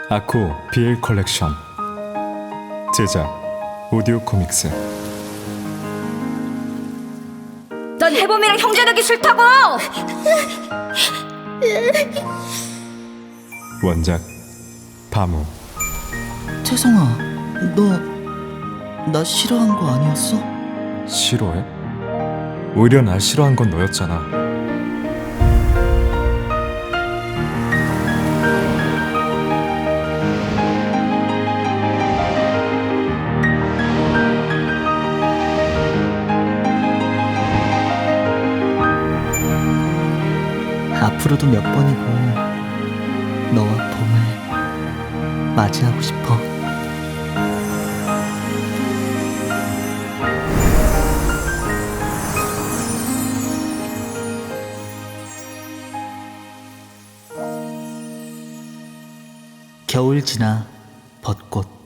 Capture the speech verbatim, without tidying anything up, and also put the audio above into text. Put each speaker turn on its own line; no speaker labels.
아코 비엘 컬렉션. 제작 오디오 코믹스.
넌 해범이랑 형제되기 싫다고!
원작 바무.
태성아, 너 나 싫어한 거 아니었어?
싫어해? 오히려 날 싫어한 건 너였잖아.
앞으로도 몇 번이고 너와 봄을 맞이하고 싶어. 겨울 지나 벚꽃.